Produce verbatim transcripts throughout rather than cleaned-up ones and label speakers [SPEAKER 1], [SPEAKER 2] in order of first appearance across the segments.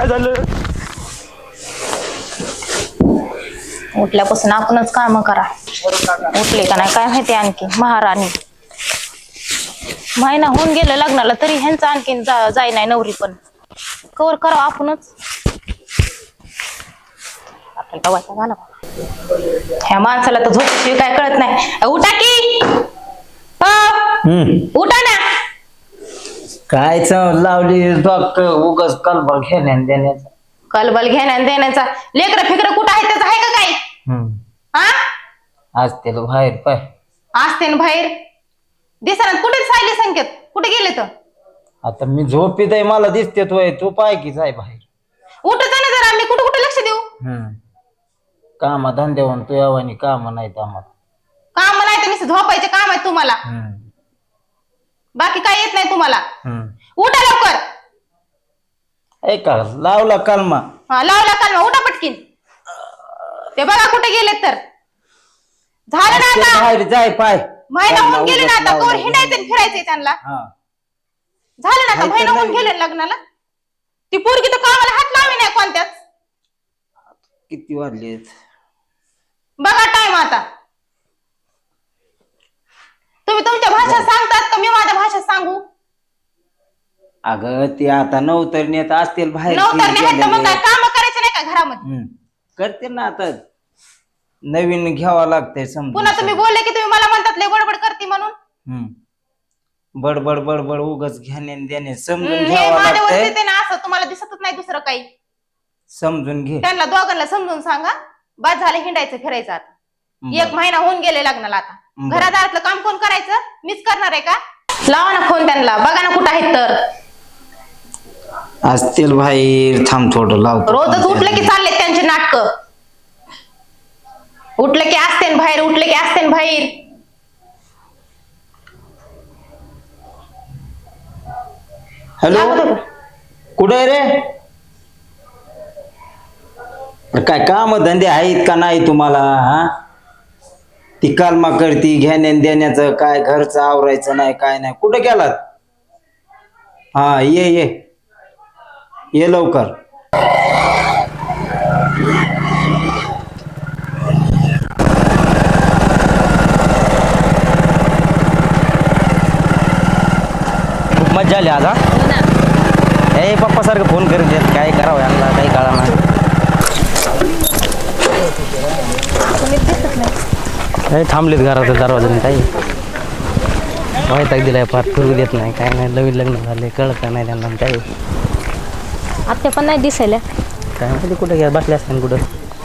[SPEAKER 1] काय झालं?
[SPEAKER 2] उठल्यापासून आपणच काम करा. उठले का नाही काय माहिती. आणखी महाराणी महिना होऊन गेलं लग्नाला तरी ह्यांचं आणखीन जाई नाही नवरी पण. कवर करावं आपणच. ह्या माणसाला तर झोपशिवाय काय कळत नाही. उठा की उठा ना.
[SPEAKER 3] काय चव लावली डॉक्टर उगाच कलबल घेण्या देण्याचा.
[SPEAKER 2] कलबल घेण्या देण्याचा. लेकरं फिकरं कुठं आहे त्याचं आहे का काही? हा
[SPEAKER 3] आज त्याला बाहेर पाय
[SPEAKER 2] असते ना बाहेर. दिसणार कुठे सायले संकेत कुठे गेले तर?
[SPEAKER 3] आता मी झोपीत आहे मला दिसते तू तू पाय की जाय बाहेर.
[SPEAKER 2] उठत ना जरा. मी कुठे कुठे लक्ष देऊ?
[SPEAKER 3] काम धंद्यावर तू यावानी काम नाहीत आम्हाला.
[SPEAKER 2] काम नाही तर नुसतं झोपायचे काम आहे तुम्हाला. बाकी काय येत नाही तुम्हाला. उठा लवकर.
[SPEAKER 3] ऐका लावला कलमा.
[SPEAKER 2] हा लावला काल उठा पटकीन. ते बघा कुठे गेलेत तर. झालं ना आता.
[SPEAKER 3] बाहेर जाय पाय.
[SPEAKER 2] महिना होऊन गेले ना आता. कोर हिंडायचं आणि फिरायचंय त्यांना. झालं ना आता. महिना होऊन गेले लग्नाला. ती पोरगी तर कामाला हात लावी नाही कोणत्याच.
[SPEAKER 3] किती वाजले?
[SPEAKER 2] बघा टाइम आता. तुम्ही तुमच्या भाषा सांगतात का मी माझ्या भाषा सांगू?
[SPEAKER 3] अगं ते आता नवतर नेत असतील बाहेर.
[SPEAKER 2] नवतर नाही तर मग काय काम करायचं नाही का घरामध्ये?
[SPEAKER 3] करते ना आता. नवीन घ्यावा लागतंय समजा.
[SPEAKER 2] पुन्हा तुम्ही बोलले की तुम्ही मला म्हणतात लय बडबड करते म्हणून.
[SPEAKER 3] बडबड बडबड उगाच घेणे देणे समजून
[SPEAKER 2] हे
[SPEAKER 3] घ्यावं
[SPEAKER 2] माझ्यावर
[SPEAKER 3] लागतंय.
[SPEAKER 2] येते ना असं. तुम्हाला दिसतच नाही दुसरं काही.
[SPEAKER 3] समजून घे.
[SPEAKER 2] त्यांना दोघांना समजून सांगा. बाद झाले हिंडायचं फिरायचं आता. एक महिना होऊन गेले लग्नाला आता. घरादारातलं काम कोण करायचं? मीच करणार आहे का? लावा ना फोन त्यांना. बघा ना कुठं आहेत तर.
[SPEAKER 3] असतील बाहेर. थांब थोडं लावतो.
[SPEAKER 2] रोजच उठलं की चालले त्यांचे नाटक. उठलं की असते बाहेर. उठलं की असते बाहेर.
[SPEAKER 3] हॅलो कुठे रे? काय काम धंदे आहेत का नाही तुम्हाला? हा ती कालमा करती घेण्या देण्याचं काय घरचं आवरायचं नाही काय नाही. कुठे गेलात? हा ये ये ये लवकर.
[SPEAKER 1] खूप मजा आली आज. हा ए पप्पा सारखं फोन करून देत. काय करावं यांना काही कळा नाही. काही थांबलेत घरात दरवाजाने. काही वैताग दिलाय फार. फिरू देत नाही काय नाही. नवीन लग्न झाले कळत नाही त्यांना काही.
[SPEAKER 2] आत्या पण नाही दिसायला.
[SPEAKER 1] काय माहिती कुठे घ्या बसले असते कुठं.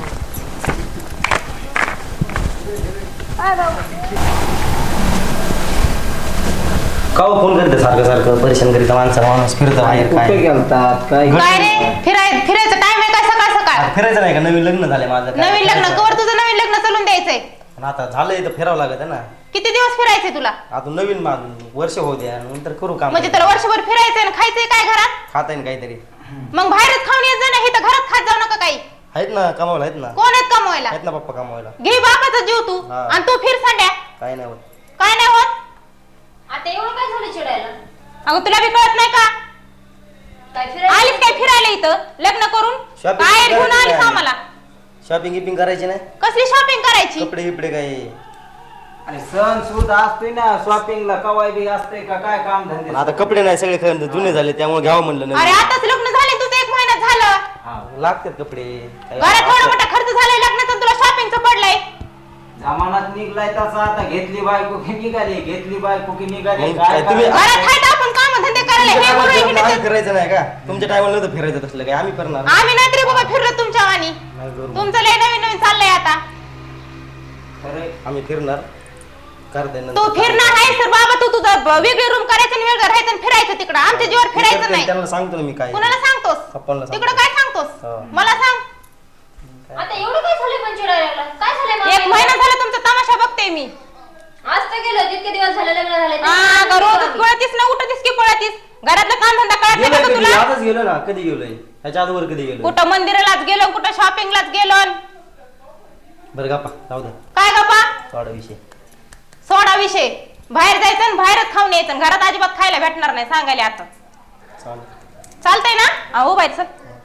[SPEAKER 1] का फोन करते सारखं सारखं परेशान करीत माणसाला. माणूस फिरतं बाहेर. काय
[SPEAKER 3] गेलतात काय?
[SPEAKER 2] काय रे फिराय फिरायचं टाइम आहे का सकाळ सकाळ?
[SPEAKER 1] फिरायचं नाही का? नवीन लग्न झालंय माझं.
[SPEAKER 2] नवीन लग्न कवर तुझं नवीन लग्न चालून द्यायचंय.
[SPEAKER 1] पण आता झालंय तर फिरावं लागत आहे ना.
[SPEAKER 2] किती दिवस फिरायचंय तुला?
[SPEAKER 1] आता नवीन माझं वर्ष होऊ द्या नंतर करू काम.
[SPEAKER 2] म्हणजे तुला वर्षभर फिरायचंय आणि खायचंय काय घरात?
[SPEAKER 1] खाता येईल काहीतरी.
[SPEAKER 2] मग बाहेरच खाऊन येत जा ना. इथं घरात खात जाऊ नका काही.
[SPEAKER 1] आहेत ना कमावला. आहेत ना.
[SPEAKER 2] कोण आहेत कमवायला?
[SPEAKER 1] आहेत ना पप्पा कमावायला.
[SPEAKER 2] घे बापाचा जीव तू.
[SPEAKER 1] हा.
[SPEAKER 2] आणि तू फिर सांड्या.
[SPEAKER 1] काय नाही होत.
[SPEAKER 2] काय नाही होत?
[SPEAKER 4] आता एवढं काय झालं चिडायला?
[SPEAKER 2] अगं तुला बी कळत नाही का?
[SPEAKER 4] काय फिरायला?
[SPEAKER 2] आलीस काय फिरायला इथं लग्न करून?
[SPEAKER 1] Shopping
[SPEAKER 2] काय घेऊन
[SPEAKER 1] करायची
[SPEAKER 2] आलीस
[SPEAKER 1] काय?
[SPEAKER 2] आम्हाला?
[SPEAKER 1] शॉपिंग गिपिंग करायची नाही.
[SPEAKER 2] कसली शॉपिंग करायची?
[SPEAKER 1] कपडे बिपडे काय?
[SPEAKER 3] आणि सण सुद्धा असतोय ना शॉपिंगला. कवाय बी असते का काय काम धंदे?
[SPEAKER 1] पण आता कपडे नाही सगळे खरं जुने झाले त्यामुळे घ्यावं म्हणलं
[SPEAKER 2] अरे
[SPEAKER 1] नाही.
[SPEAKER 2] आताच लग्न झाले तुझं एक महिना झालं.
[SPEAKER 1] लागतात कपडे. काय
[SPEAKER 2] घरात थोडा मोठा खर्च झालाय लग्नाचा तुला शॉपिंगचं पडलंय.
[SPEAKER 3] जमानात निघलाय तसा आता. घेतली बायको की निघाली. घेतली बायको की निघाली.
[SPEAKER 1] मग
[SPEAKER 3] काय
[SPEAKER 1] काय तुम्ही-
[SPEAKER 3] करायचं?
[SPEAKER 2] घरात खायचं आपण काम धंदे करायला. हे
[SPEAKER 1] तुमच्या
[SPEAKER 2] बरोबर
[SPEAKER 1] time ला
[SPEAKER 2] आहे
[SPEAKER 1] आम्ही फिरायचं नाही का? तुमच्या टायमाला नव्हतं फिरायचं तसलं काय. आम्ही करणार
[SPEAKER 2] आम्ही नाही तरी बाबा फिरलो तुमच्या वाणी.
[SPEAKER 1] नाही बरोबर.
[SPEAKER 2] तुमचं लय नवीन नवीन चाललंय आता.
[SPEAKER 3] खरंय.
[SPEAKER 1] आम्ही फिरणार करते
[SPEAKER 2] तू फिरणार आहेस तर बाबा तू तुझं वेगळी रूम करायचं आणि वेगळं राहायचं आणि फिरायचं तिकडं. आमच्या जीवावर फिरायचं नाही.
[SPEAKER 1] त्यांना सांगतो ना मी काय.
[SPEAKER 2] कुणाला सांगतोस?
[SPEAKER 1] पप्पांना सांगतो.
[SPEAKER 2] तिकडं काय सांगतोस?
[SPEAKER 1] हा.
[SPEAKER 2] मला सांग.
[SPEAKER 4] आता एवढं काय झालं पण चिडायला लागला? काय झालंय
[SPEAKER 2] एक
[SPEAKER 4] मामाला?
[SPEAKER 2] महिना झाला तुमचा तमाशा बघते मी.
[SPEAKER 4] आज तर गेलो जितके दिवस झाले लग्न झाले ते
[SPEAKER 2] हा, का रोजच पळतीस ना उठतीस की पळतीस. घरातलं काम धंदा कळत नाही
[SPEAKER 1] गेलोय
[SPEAKER 2] का
[SPEAKER 1] कधी?
[SPEAKER 2] तुला?
[SPEAKER 1] आजच गेलो ना. कधी गेलोय ह्याच्या अगोदर कधी गेलो?
[SPEAKER 2] कुठं मंदिरालाच गेलो कुठं शॉपिंगलाच गेलो.
[SPEAKER 1] बरं गप्पा जाऊ दे.
[SPEAKER 2] काय गप्पा?
[SPEAKER 1] थोडा विषय
[SPEAKER 2] सोडा विषय. बाहेर जायचं आणि बाहेरच खाऊन यायचं आणि घरात अजिबात खायला भेटणार नाही सांगायला आता.
[SPEAKER 1] चालेल.
[SPEAKER 2] चालतंय ना? अहो बाहेर चल.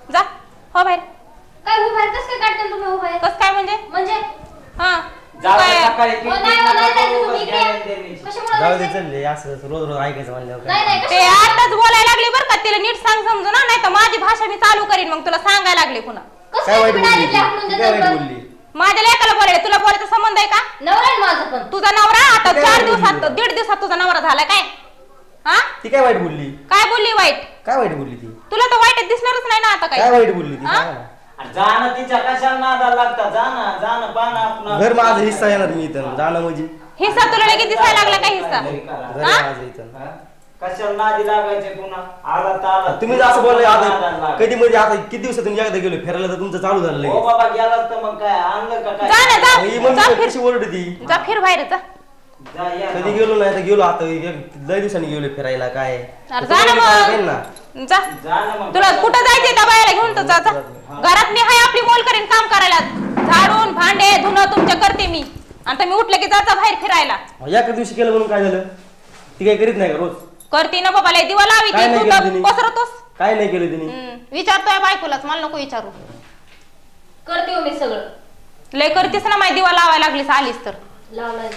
[SPEAKER 2] जा हो बाहेर.
[SPEAKER 4] काय हो बाहेर कसं काय काढता तुम्ही हो बाहेर?
[SPEAKER 2] कस काय म्हणजे
[SPEAKER 4] म्हणजे
[SPEAKER 2] हा
[SPEAKER 3] जाऊ दे,
[SPEAKER 2] काय
[SPEAKER 3] सकाळी
[SPEAKER 4] हो, नाही हो, नाही जायचं तुम्ही इकडे या.
[SPEAKER 3] किती- किती-
[SPEAKER 4] कशामुळे
[SPEAKER 1] जाऊ दे
[SPEAKER 4] जायचं?
[SPEAKER 1] चल असं असं रोज रोज ऐकायचं म्हणल्यावर
[SPEAKER 4] नाही
[SPEAKER 1] काय.
[SPEAKER 4] नाही
[SPEAKER 2] ते
[SPEAKER 4] कशामुळे?
[SPEAKER 2] आताच बोलायला लागली बरं का तिला नीट सांग समजू ना नाही तर माझी भाषा मी चालू करीन मग तुला सांगायला लागले पुन्हा.
[SPEAKER 4] कसं
[SPEAKER 1] काय
[SPEAKER 4] काय
[SPEAKER 1] वाईट
[SPEAKER 4] तुम्ही
[SPEAKER 1] बोलली
[SPEAKER 4] direct
[SPEAKER 1] ती?
[SPEAKER 4] हाकलून
[SPEAKER 1] ती
[SPEAKER 4] देता
[SPEAKER 1] काय वाईट
[SPEAKER 4] बरं?
[SPEAKER 1] बोलली?
[SPEAKER 2] माझ्या लेकाला बोलायला तुला बोलायचा संबंध आहे का?
[SPEAKER 4] नवरा आहे माझा पण.
[SPEAKER 2] तुझा नवरा आता
[SPEAKER 1] काय
[SPEAKER 2] चार
[SPEAKER 1] बोलली
[SPEAKER 2] दिवसात
[SPEAKER 1] तुला?
[SPEAKER 2] दीड दिवसात तुझा नवरा झाला काय? हा
[SPEAKER 1] ती काय वाईट बोलली?
[SPEAKER 2] काय बोलली वाईट?
[SPEAKER 1] काय वाईट बोलली ती?
[SPEAKER 2] तुला तर वाईट दिसणारच नाही ना आता
[SPEAKER 1] काय
[SPEAKER 2] काय.
[SPEAKER 1] वाईट बोलली ती?
[SPEAKER 2] हा?
[SPEAKER 1] सांगा ना.
[SPEAKER 3] जाणं तिच्या कशाला नादाला लागता जाणं जाणं पाना आपण
[SPEAKER 1] घर माझा हिस्सा येणार मी इथं जाणं म्हणजे
[SPEAKER 2] हिस्सा तुला लगेच दिसायला लागला काय हिस्सा?
[SPEAKER 1] घर
[SPEAKER 2] हा?
[SPEAKER 1] माझं इथं.
[SPEAKER 3] हा? कशाला नादी लागायचे पुन्हा आला तर आला
[SPEAKER 1] तुम्ही जर असं बोलले
[SPEAKER 3] नादाला
[SPEAKER 1] आता
[SPEAKER 3] लागायचं.
[SPEAKER 1] कधी म्हणजे आता किती दिवसातून एकदा गेलो फिरायला तर तुमचं चालू झालं
[SPEAKER 3] हो
[SPEAKER 1] लगेच.
[SPEAKER 3] बाबा गेला तर मग काय आणलं का काय
[SPEAKER 2] जा ना जा
[SPEAKER 1] ही
[SPEAKER 2] जा
[SPEAKER 1] मग
[SPEAKER 2] फिर
[SPEAKER 1] कशी ओरडती
[SPEAKER 2] जा फिर बाहेर जा.
[SPEAKER 3] जा, या
[SPEAKER 1] कधी
[SPEAKER 3] ना.
[SPEAKER 1] गेलो नाही तर गेलो आता एक- लय दिवसांनी गेलो फिरायला काय
[SPEAKER 2] अरे जा ना
[SPEAKER 1] जाईल ना.
[SPEAKER 2] मग जा
[SPEAKER 3] जा ना मग.
[SPEAKER 2] तुला कुठं जायचंय त्या बायाला घेऊन तर जा जा. घरात मी हाय आपली मोल करीन काम करायला झाडून भांडे धुणं तुमच्या करते मी आणि तुम्ही उठले की जाता बाहेर फिरायला.
[SPEAKER 1] एका दिवशी केलं म्हणून काय झालं ती काय करीत नाही का रोज
[SPEAKER 2] करते ना बाबा लय दिवा लावी
[SPEAKER 1] काय नाही
[SPEAKER 2] तू
[SPEAKER 1] केलं
[SPEAKER 2] तर
[SPEAKER 1] तिने?
[SPEAKER 2] पसरतोस.
[SPEAKER 1] काय नाही केलं तिने
[SPEAKER 2] हम्म, विचारतोय बायकोलाच मला नको विचारू.
[SPEAKER 4] करते हो मी सगळं.
[SPEAKER 2] लय करतेस ना माहिती दिवा लावायला लागलीस आलीस तर.
[SPEAKER 4] लावलाय.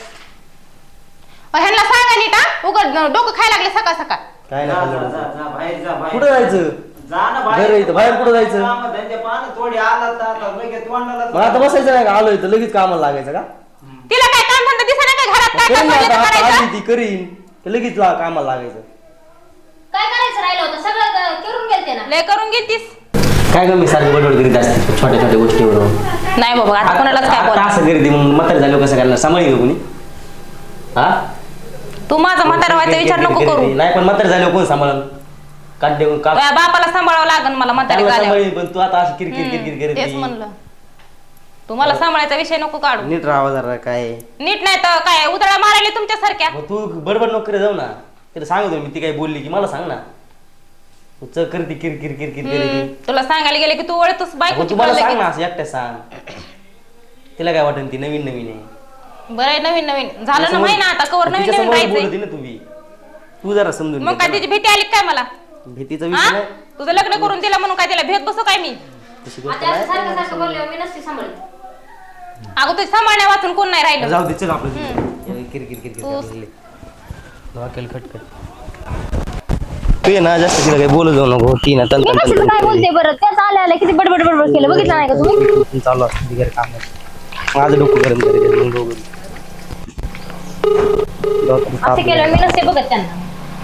[SPEAKER 2] अ, ह्यांना सांगा नीट हा उघड डोकं खायला लागले सकाळ सकाळ.
[SPEAKER 1] काय
[SPEAKER 3] जा,
[SPEAKER 1] नाही
[SPEAKER 3] जा,
[SPEAKER 1] केलं.
[SPEAKER 3] जा, जा, बाहेर जा बाहेर.
[SPEAKER 1] कुठं जायचं
[SPEAKER 3] जा ना
[SPEAKER 1] घर आहे इथं, बाहेर कुठं जायचं?
[SPEAKER 3] कामं धंदे पहा ना, थोडी आला तर आता लगेच तोंडाला-
[SPEAKER 1] मग आता बसायचं नाही का आलोय तर लगेच कामाला लागायचं का
[SPEAKER 2] तिला काय काम धंदा दिसा नाही का घरात काय
[SPEAKER 1] करीन
[SPEAKER 2] काम
[SPEAKER 1] ना
[SPEAKER 2] पडलं
[SPEAKER 1] आता,
[SPEAKER 2] तर
[SPEAKER 1] आता
[SPEAKER 2] करायचं.
[SPEAKER 1] आली ती करीन की लगेच ला- कामाला लागायचं
[SPEAKER 4] काय करायचं राहिलं होतं सगळं क- करून गेलते ना.
[SPEAKER 2] लय करून गेलतीस.
[SPEAKER 1] काय गं मी सारखी बडबड करीत असते छोट्या छोट्या गोष्टीवरून
[SPEAKER 2] नाही बाबा आता कोणालाच काय
[SPEAKER 1] आता
[SPEAKER 2] बोला.
[SPEAKER 1] असं करते मग म्हातारी झालं कसं करायला सांभाळी कोणी हा
[SPEAKER 2] तू माझा म्हातारा व्हायचा विचार नको करू.
[SPEAKER 1] नाही पण म्हातारी झाल्यावर कोण सांभाळून काट देऊन का
[SPEAKER 2] तुझ्या बापाला सांभाळावं लागन मला म्हातारी
[SPEAKER 1] त्याला
[SPEAKER 2] झाल्यावर.
[SPEAKER 1] सांभाळी पण तू आता असं किरकिर किरकिर
[SPEAKER 2] हम्म, तेच
[SPEAKER 1] करत
[SPEAKER 2] म्हणलं तुम्हाला सांभाळायचा विषय नको काढू.
[SPEAKER 1] नीट राहावं जरा काय
[SPEAKER 2] नीट नाही तर काय उधळा मारायला तुमच्या सारख्या.
[SPEAKER 1] मग तू बडबड नको करे जाऊ ना तिला सांगतो मी ती काय बोलली की मला सांग ना तू च करते किरकिर किरकिर
[SPEAKER 2] हम्म,
[SPEAKER 1] करते
[SPEAKER 2] तुला सांगायला गेले की तू ओळखतोस बायकोची
[SPEAKER 1] तुम्हाला
[SPEAKER 2] कळलं
[SPEAKER 1] सांग
[SPEAKER 2] की.
[SPEAKER 1] ना असं एकट्या सांग तिला काय वाटन ती नवीन नवीन आहे
[SPEAKER 2] बरं आहे, नवीन नवीन झालं ना माहिती ना आता कवर नवीन
[SPEAKER 1] तिच्या
[SPEAKER 2] नवीन
[SPEAKER 1] समोर
[SPEAKER 2] राहायचंय.
[SPEAKER 1] बोलती ना तुम्ही तू जरा समजून
[SPEAKER 2] मग
[SPEAKER 1] घे
[SPEAKER 2] काय
[SPEAKER 1] जरा.
[SPEAKER 2] तिची भीती आली काय मला
[SPEAKER 1] भीतीचा
[SPEAKER 2] हा
[SPEAKER 1] विषय नाही
[SPEAKER 2] तुझं लग्न करून दिलं म्हणून काय तिला भेट बसू काय मी.
[SPEAKER 1] तशी गोष्ट
[SPEAKER 4] आता असं
[SPEAKER 1] नाही
[SPEAKER 4] सारखं सारखं बोलल्यावर मी नसते सांभाळत.
[SPEAKER 2] अगं तुझी सांभाळण्या वाचून कोण नाही राहिलं.
[SPEAKER 1] जाऊ दे चल आपलं किरकिर किरकिर
[SPEAKER 2] तू-
[SPEAKER 1] वाकेल खटखट तू ये ना जास्त तिला काही बोलू जाऊ नको ती ना तन
[SPEAKER 4] मी कशाचं काय बोलते बरं त्याच आल्या आल्या किती बडबड बडबड केलं बघितलं नाही का तुम्ही.
[SPEAKER 1] चालू असतं तिकडे काम माझं डोकं गरम करीत मग बघू
[SPEAKER 4] असं केलं मी नसते बघत त्यांना.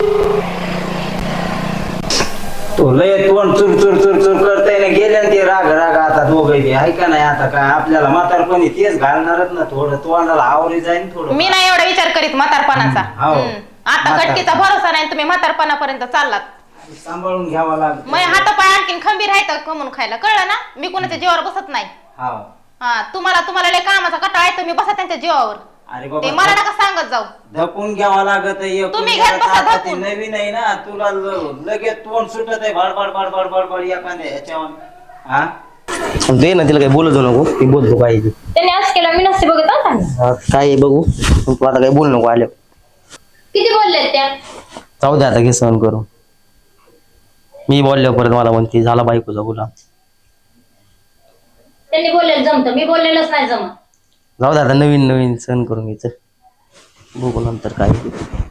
[SPEAKER 3] तो लय तोंड चुर चुर चुर चुर करताय ना गेले ना ते राग राग आता दोघे बी आहे का नाही आता काय आपल्याला म्हातारपणी तेच घालणारच ना थोडं तोंडाला आवरी जाईल थोडं
[SPEAKER 2] मी नाही एवढा विचार करीत म्हातारपणाचा.
[SPEAKER 3] हो.
[SPEAKER 2] हम्म. आता
[SPEAKER 3] म्हातार-
[SPEAKER 2] घटकीचा भरोसा नाही तुम्ही म्हातारपणापर्यंत चाललात.
[SPEAKER 3] सांभाळून घ्यावा लागत
[SPEAKER 2] मग हातापाय आणखीन खंबीर राहायचं कमवून खायला कळलं ना. मी कोणाच्या जीवावर बसत नाही.
[SPEAKER 3] हाव.
[SPEAKER 2] हा तुम्हाला तुम्हाला लय कामाचा कटाळा आहे तुम्ही बसा त्यांच्या जीवावर.
[SPEAKER 3] अरे
[SPEAKER 2] ते
[SPEAKER 3] बाबा
[SPEAKER 2] मला नका सांगत जाऊ.
[SPEAKER 3] धपून घ्यावा लागत आहे.
[SPEAKER 2] तुम्ही
[SPEAKER 3] एकूण
[SPEAKER 2] घेत बसा
[SPEAKER 3] आता ते
[SPEAKER 2] धपून.
[SPEAKER 3] नवीन आहे ना तुला ल- लगेच तोंड सुटत आहे बडबड बडबड बडबड एखाद्या ह्याच्यावर हा
[SPEAKER 1] दे ना तिला काही बोलू जाऊ नको ती बोलतो काय ते.
[SPEAKER 4] त्यांनी असं केलं मी नसते बघत हा त्यांना.
[SPEAKER 1] हा, काय आहे बघू तू आता काही बोलू नको आले
[SPEAKER 4] किती बोलल्यात त्या.
[SPEAKER 1] जाऊ दे आता घे सहन करू मी बोलल्यावर परत मला म्हणते झाला बायकोचा गुलाम
[SPEAKER 4] त्यांनी बोललेलं जमतं मी बोललेलंच नाही जमत.
[SPEAKER 1] जाऊ दे आता नवीन नवीन सहन करून घ्यायचं बघू नंतर काय ते.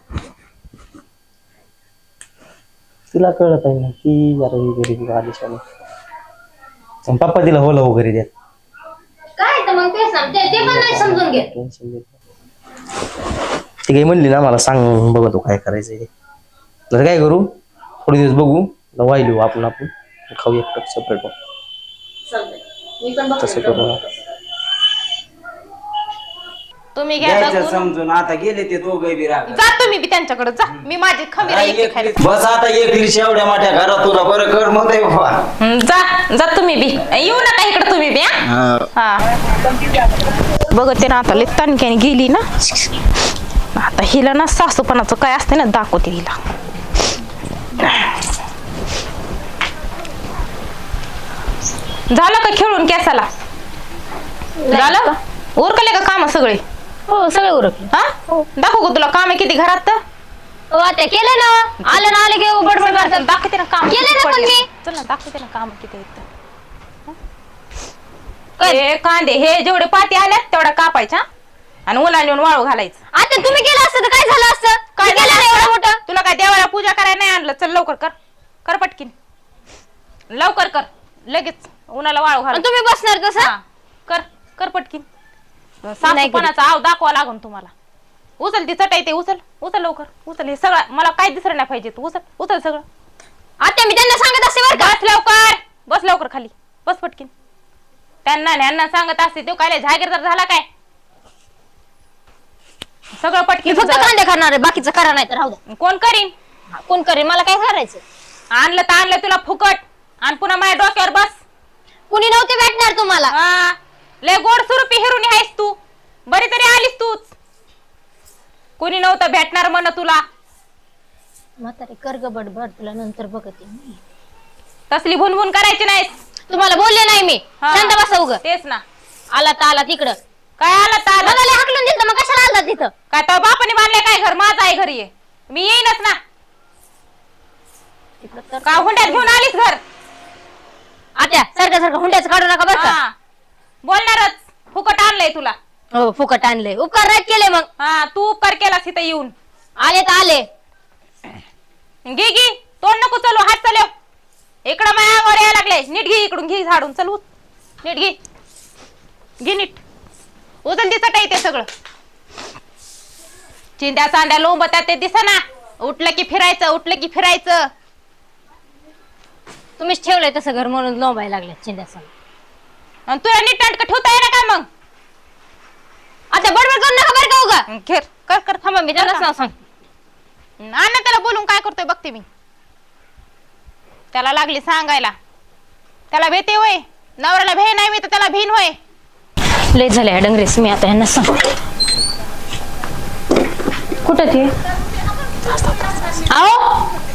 [SPEAKER 1] तिला कळत आहे ना ती जरा ही गरीब आलिशाने पप्पा तिला होला वगैरे द्या
[SPEAKER 4] काय तर मग ते सांग ते ते पण नाही समजून घेत.
[SPEAKER 1] टेन्शन घेत नाही. ती काही म्हणली ना मला सांग बघतो काय करायचंय ते. तर काय करू थोडे दिवस बघू वाहिलू आपण आपण खाऊ एक टप सेपरेट
[SPEAKER 4] चालतंय. मी पण
[SPEAKER 1] तसं
[SPEAKER 4] बघते.
[SPEAKER 1] करू
[SPEAKER 2] तुम्ही घ्या
[SPEAKER 3] घ्यायचं
[SPEAKER 2] जगून.
[SPEAKER 3] समजून आता गेले ते दोघे बी राग
[SPEAKER 2] जा तुम्ही बी त्यांच्याकडे जा. मी माझी खमीर एकटी खायला.
[SPEAKER 3] बस आता एक लिश एवढ्या मोठ्या घरात तुला बरं कर मग आहे बाबा
[SPEAKER 2] हम्म, जा जा तुम्ही बी येऊ नका इकडे तुम्ही बी हा हा. बघते ना आता लई तणक्याने गेली ना आता हिला ना सासूपणाचं काय असते ना दाखवते हिला. झालं का खेळून केसाला झालं उरकले का काम सगळे.
[SPEAKER 4] हो सगळे उरकले.
[SPEAKER 2] हा दाखव का तुला काम आहे किती घरात तर.
[SPEAKER 4] हो आता केलं ना आलं ना आले की बडबड करतात.
[SPEAKER 2] दाखवते ना काम
[SPEAKER 4] केलं ना पण मी.
[SPEAKER 2] चल चल ना दाखवते ना काम किती आहेत हे कांदे हे जेवढे पाती आल्यात तेवढा कापायचा आणि उन्हाळ्यात नेऊन वाळू घालायचं.
[SPEAKER 4] आता तुम्ही केलं असतं तर काय झालं असतं? काय केलं नाही एवढं मोठं?
[SPEAKER 2] तुला काय देवाला पूजा करायला नाही आणलं? चल लवकर कर कर पटकीन लवकर कर लगेच उन्हाला वाळू घाल.
[SPEAKER 4] आणि तुम्ही बसणार कसं?
[SPEAKER 2] हा, कर कर पटकीन सासूपणाचा आव दाखवा लागून तुम्हाला. उचल ती चटाई ते उचल उचल लवकर उचल हे सगळं मला काय दिसलं नाही पाहिजे. तू उचल उचल सगळं.
[SPEAKER 4] आता मी त्यांना सांगत असते बरं का?
[SPEAKER 2] बस लवकर बस लवकर खाली बस पटकीन. त्यांना न्यांना सांगत असते तो काय जागीरदार झाला काय? सगळं
[SPEAKER 4] मी
[SPEAKER 2] पटकीन
[SPEAKER 4] फक्त कांदे करणार आहे, बाकीचं करा नाही तर राहू द्या.
[SPEAKER 2] कोण करीन?
[SPEAKER 4] कोण करेल? मला काय करायचं?
[SPEAKER 2] आणलं तर आणलं तुला फुकट आणि पुन्हा माझ्या डोक्यावर बस.
[SPEAKER 4] कुणी नव्हते भेटणार तुम्हाला.
[SPEAKER 2] हा लय गोड स्वरूपी हिरून आहेस तू. बरी तरी आलीस तूच. कोणी नव्हतं भेटणार म्हण तुला.
[SPEAKER 4] म्हातारे कर ग बडबड, तुला नंतर बघते मी.
[SPEAKER 2] तसली भुनभुन करायची नाहीस.
[SPEAKER 4] तुम्हाला बोलले नाही मी.
[SPEAKER 2] हा.
[SPEAKER 4] शांत बसा उग.
[SPEAKER 2] तेच ना.
[SPEAKER 4] आला तर आला तिकडं.
[SPEAKER 2] काय आला तर आला.
[SPEAKER 4] मला हाकलून दिलं मग कशाला आला तिथं?
[SPEAKER 2] काय तर बापाने बांधले काय घर माझं आहे घरी ये. मी येईनच ना. का हुंड्यात घेऊन आलीस घर?
[SPEAKER 4] आत्या सारखं सारखं हुंड्याचं काढू नका बरं का.
[SPEAKER 2] हा. बोलणारच फुकट आणलंय तुला.
[SPEAKER 4] हो फुकट आणले, उपकार नाही केले मग.
[SPEAKER 2] हा तू उपकार केलास इथं येऊन.
[SPEAKER 4] आले तर आले.
[SPEAKER 2] घे घे तोंड नको चलू हात चालव. इकडं माझ्या अंगावर यायला लागले. नीट घे इकडून घे झाडून चल उच. नीट घे घे नीट उचल ती चटाई ते सगळं. चिंध्या चांड्या लोंबत्या ते दिसना. उठलं की फिरायचं उठलं की फिरायचं.
[SPEAKER 4] तुम्हीच ठेवलंय तसं घर म्हणून लोंबायला लागले चिंध्यासन.
[SPEAKER 2] आणि तुला नीट नाटक ठेवता येणार काय मग?
[SPEAKER 4] आता बडबड करू नका बरं का उगा.
[SPEAKER 2] खेर कर कर
[SPEAKER 4] थांबा मी त्यालाच नाव सांग.
[SPEAKER 2] अण्णा त्याला बोलून काय करतोय बघते मी. त्याला लागली सांगायला. त्याला भेटे होय नवऱ्याला भे नाही मी तर त्याला भीन होय.
[SPEAKER 4] लय झाले डंगरेस. मी आता ह्यांना सांग कुठं ते आओ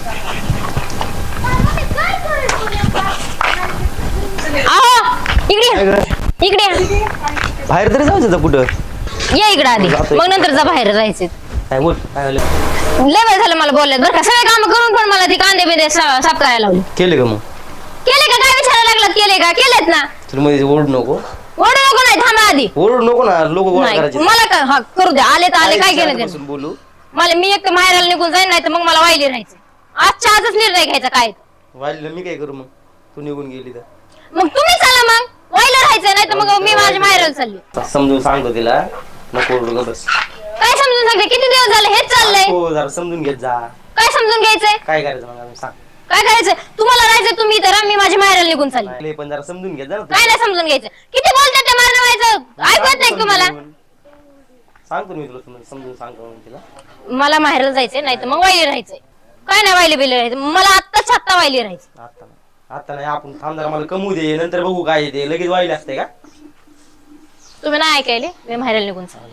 [SPEAKER 4] आओ इकडे या. इकडे या.
[SPEAKER 1] बाहेर तरी जाऊ तिथं कुठं.
[SPEAKER 4] या इकडे आधी मग नंतर जा बाहेर जायचे.
[SPEAKER 1] काय बोल काय झालं?
[SPEAKER 4] लय वेळ झालं मला बोलल्यात बरं का. सगळे काम करून पण मला ती कांदे बिंदे सा- साफ करायला लावली.
[SPEAKER 1] केले का मग?
[SPEAKER 4] केले का काय विचारायला लागलात? केले का? केलेत ना.
[SPEAKER 1] तुला मध्ये ओरड नको.
[SPEAKER 4] ओढू नको नाही थांबा आधी.
[SPEAKER 1] ओरड नको ना लोक गोळा
[SPEAKER 4] नाही
[SPEAKER 1] करायचे.
[SPEAKER 4] मला का हा करू द्या. आले तर आले काय केलं
[SPEAKER 1] बसून
[SPEAKER 4] त्यांनी.
[SPEAKER 1] बोलू.
[SPEAKER 4] मला मी एक तर माहेराला निघून जाईन नाही तर मग मला वायली राहायचं. आजच्या आजच निर्णय घ्यायचा काय.
[SPEAKER 1] वाढलं मी काय करू मग? तू निघून गेली तर
[SPEAKER 4] मग तुम्ही चला मग वायला राहायचं नाही तर मग मी माझ्या माहेराला चालली.
[SPEAKER 1] समजून सांगतो तिला नको ओरडू ग बस.
[SPEAKER 4] काय समजून सांगते? किती दिवस झाले हेच चाललंय.
[SPEAKER 1] हो जरा समजून घेत जा.
[SPEAKER 4] काय समजून घ्यायचंय?
[SPEAKER 1] काय करायचं मग आम्ही सांग.
[SPEAKER 4] काय करायचंय? तुम्हाला राहायचं तुम्ही तर मी माझ्या माहेराला निघून चालली.
[SPEAKER 1] नाही, पण जरा समजून घेत जा ना तू.
[SPEAKER 4] काय नाही समजून घ्यायचं? किती बोलतात ते मारणं व्हायचं ऐकत नाही का तुम्हाला?
[SPEAKER 1] सांगतो मी तुला समजून समजून सांगतो म्हणून तिला.
[SPEAKER 4] मला माहेराला जायचंय नाही तर मग वायली राहायचंय. काय नाही वायली बिले राहायचं. मला आत्ताच आत्ता वायली राहायचं.
[SPEAKER 1] आता नाही आता नाही आपण थांब जरा मला कमवू दे नंतर बघू काय येते. लगेच वाईले असते का?
[SPEAKER 4] तुम्ही नाही ऐकायले मी माहेराला निघून चालले.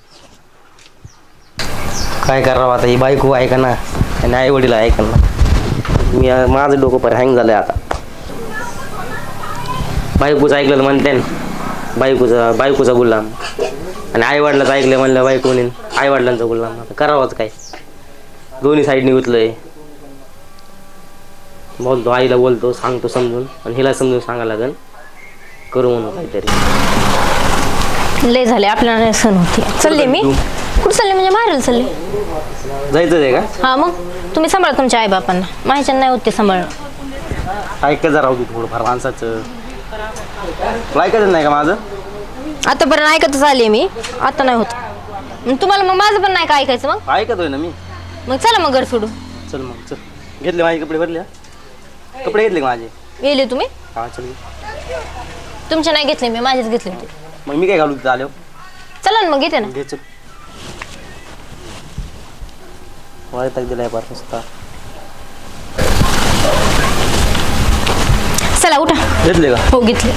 [SPEAKER 1] काय करावं आता ही बायको ऐका ना आणि आई वडील ऐका ना. मी माझं डोकं पर हँग झालंय आता. बायकोचं ऐकलं म्हणते ना बायकोचा बायकोचा गुलाम आणि आई वडिलाचं ऐकलं म्हणलं बायकोने आई वडिलांचा गुलाम. आता करावंच काय? दोन्ही साईडने गुतलंय. बोलतो आईला बोलतो सांगतो समजून आणि हिला समजून सांगायला लागेल करू म्हणून काहीतरी.
[SPEAKER 4] लय झाले आपल्याला सण होती. चालले मी. कुठं चालले म्हणजे माहेराला चालले.
[SPEAKER 1] जायचं आहे का?
[SPEAKER 4] हा मग तुम्ही सांभाळा तुमच्या आई बापांना. माझ्या नाही होते सांभाळ.
[SPEAKER 1] ऐकत जरा होती थोडंफार माणसाचं. तुला ऐकायचं नाही का माझं?
[SPEAKER 4] आतापर्यंत ऐकतच आले मी. आता नाही होत. मग तुम्हाला मग माझं पण नाही का ऐकायचं मग?
[SPEAKER 1] ऐकतोय ना मी.
[SPEAKER 4] मग चला मग घर सोडून.
[SPEAKER 1] चल मग चल. घेतले माझे कपडे भरले? कपडे घेतले का माझे?
[SPEAKER 4] गेले तुम्ही?
[SPEAKER 1] हा चल.
[SPEAKER 4] तुमचे नाही घेतले मी माझेच घेतले होते.
[SPEAKER 1] मग मी काय घालू तिथं आलो?
[SPEAKER 4] चला ना मग घेते ना.
[SPEAKER 1] घे चल. वाईट दिलाय पार नुसता.
[SPEAKER 4] चला उठा.
[SPEAKER 1] घेतले का?
[SPEAKER 4] हो घेतले.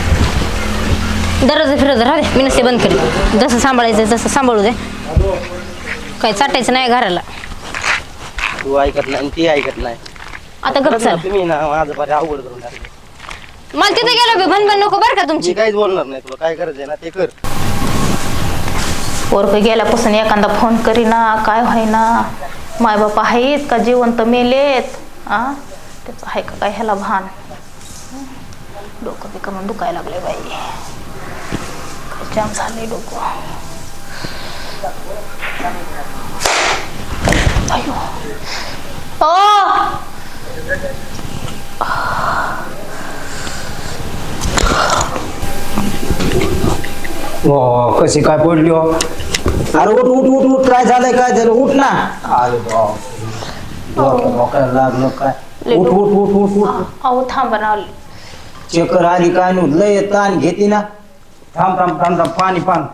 [SPEAKER 4] दररोज फिरत राहू दे. मी नसते बंद केली. जसं सांभाळायचं जसं सांभाळू दे. काही चाटायचं नाही घराला.
[SPEAKER 1] तू ऐकत नाही आणि ती ऐकत नाही.
[SPEAKER 4] आता गप चला.
[SPEAKER 1] तुम्ही ना माझं पार अवघड करून टाकलं.
[SPEAKER 4] मला तिथे गेलो बन बन नको बरं का तुमची.
[SPEAKER 1] मी काहीच बोलणार नाही. तुला काय करायचंय ना ते कर.
[SPEAKER 2] पोरग गेल्यापासून एखादा फोन करीना काय व्हायना. माय बाप आहेत का जिवंत मेलेत. आ त्याचं आहे का काय ह्याला भान. डोकं बिकं मग दुखायला लागले बाई. काय जाम झाले डोकं. अयो ओ
[SPEAKER 3] हो कशी काय पडली हो. अरे उठ उठ उठ उठ काय झालंय काय झालं उठ ना. अरे डोक्याला लागलं काय. उठ उठ उठ उठ उठ.
[SPEAKER 2] अहो थांबा ना.
[SPEAKER 3] चक्कर आली काय नु लय ताण घेते ना. थांब थांब थांब थांब पाणी पान.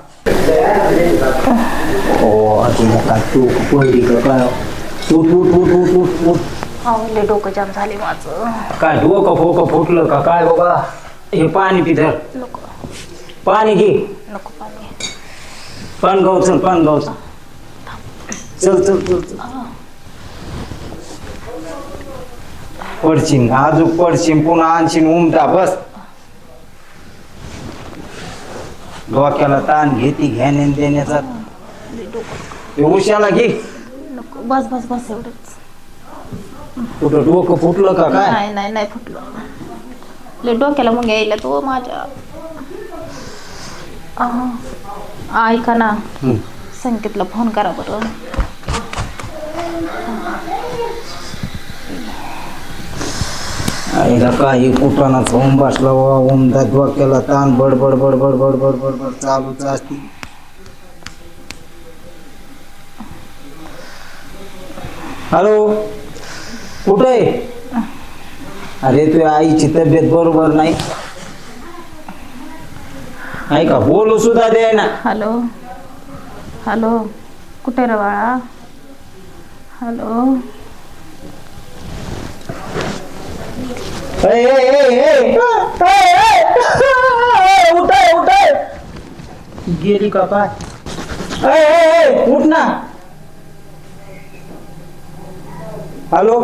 [SPEAKER 3] ओ आता काय तू पडली का काय. उठ उठ उठ उठ उठ उठ.
[SPEAKER 2] अहो लय डोकं जाम झाले माझं.
[SPEAKER 3] काय डोकं फोकं फुटलं का काय बाबा. हे पाणी पिधर
[SPEAKER 2] नको
[SPEAKER 3] पाणी घे.
[SPEAKER 2] नको पाणी.
[SPEAKER 3] पान गाव चल पान गाव चल चल चल चल चल. पडशीन आजूक पडशीन पुन्हा आणशीन उमटा बस. डोक्याला ताण घेती घेण्या देण्याचा. ते उशाला घे.
[SPEAKER 2] नको बस बस बस एवढंच.
[SPEAKER 3] कुठं डोकं फुटलं का काय.
[SPEAKER 2] नाही नाही नाही फुटलं. लय डोक्याला मग यायला तो माझ्या. अहो, ऐका ना संकेतला फोन करा बरं.
[SPEAKER 3] आईला काही कुटानाच होऊन बसला वा उमदा डोक्याला ताण बडबड बडबड बडबड बडबड चालूच असते. हॅलो कुठे आहे. अरे तुझ्या आईची तब्येत बरोबर नाही. ऐका बोलू सुद्धा दे ना.
[SPEAKER 2] हॅलो हॅलो कुठे रे बाळा. हॅलो
[SPEAKER 3] ए, ए, ए, ए. ए, ए. उठ ए, उठ ए. गेली का काय. ए, ए, ए, उठ ना. हॅलो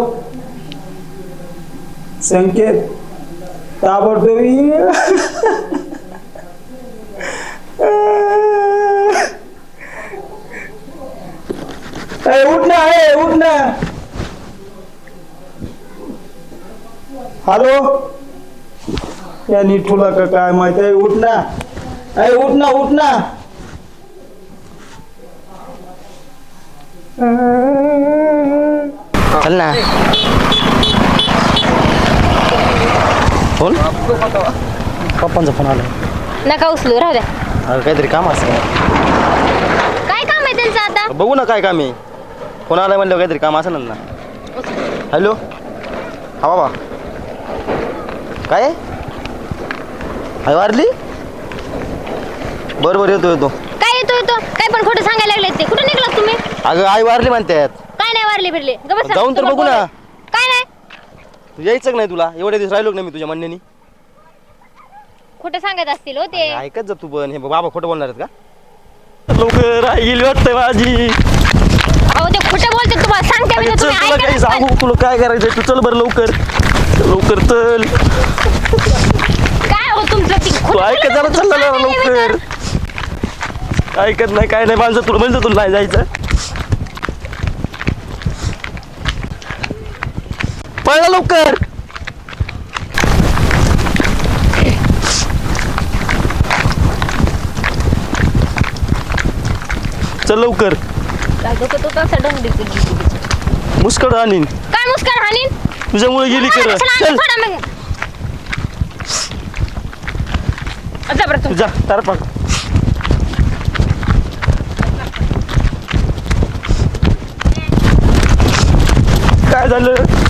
[SPEAKER 3] संकेत ताबडतोब ये. ए, उठ ना ए, उठ ना. हॅलो या निठूला का काय माहित आहे. उठ ना ए, उठ ना उठ ना.
[SPEAKER 1] चल ना. फोन पप्पांचा फोन आला.
[SPEAKER 4] नका उचलू राहू द्या.
[SPEAKER 1] अरे काहीतरी काम असं.
[SPEAKER 4] काय काम आहे त्यांचं आता.
[SPEAKER 1] बघू ना काय काम आहे. फोन आलाय म्हणलं काहीतरी काम असेल ना. हॅलो हा बाबा काय आई वारली. बरं बरं येतो येतो.
[SPEAKER 4] काय येतो येतो काय पण खोटं सांगायला लागले ते. कुठं निघलात तुम्ही.
[SPEAKER 1] अगं आई वारली म्हणतात.
[SPEAKER 4] काय नाही वारले फिरले. गप्प बसा.
[SPEAKER 1] जाऊन तर
[SPEAKER 4] तुम्हाला
[SPEAKER 1] बघू ना.
[SPEAKER 4] बोलू. काय नाही
[SPEAKER 1] तू यायचं का नाही. तुला एवढ्या दिवस राहिलो नाही मी तुझ्या म्हणण्यानी.
[SPEAKER 4] खोटं सांगत असतील हो ते.
[SPEAKER 1] ऐकत जा तू पण. हे बाबा खोटं बोलणार आहेत का. लवकर आई गेली वाटतंय माझी.
[SPEAKER 4] अहो ते खोटं बोलते तुम्हाला सांगते म्हणजे
[SPEAKER 1] चल
[SPEAKER 4] तुम्ही
[SPEAKER 1] तुला काही
[SPEAKER 4] ऐकतच
[SPEAKER 1] सांगू.
[SPEAKER 4] नाही.
[SPEAKER 1] तुला काय करायचंय तू चल बरं लवकर लवकर चल.
[SPEAKER 4] काय हो तुमचं ती
[SPEAKER 1] तू
[SPEAKER 4] खोटं
[SPEAKER 1] ऐकत जरा
[SPEAKER 4] बोलत
[SPEAKER 1] चल ना
[SPEAKER 4] तुम्ही
[SPEAKER 1] जरा
[SPEAKER 4] सांगायला
[SPEAKER 1] लवकर. ऐकत नाही काय नाही माणसं. तुला म्हणलं तुला नाही जायचं. पळला लवकर. चल लवकर.
[SPEAKER 4] काय डोकं तो तसा डोंगरी केली.
[SPEAKER 1] मुस्कड आणीन.
[SPEAKER 4] काय मुस्कान हाणीन.
[SPEAKER 1] तुझ्यामुळे गेली कर.
[SPEAKER 4] चला,
[SPEAKER 1] चल
[SPEAKER 4] सोडा मग. जा बरं तुम्ही.
[SPEAKER 1] जा तार पाक. काय झालं.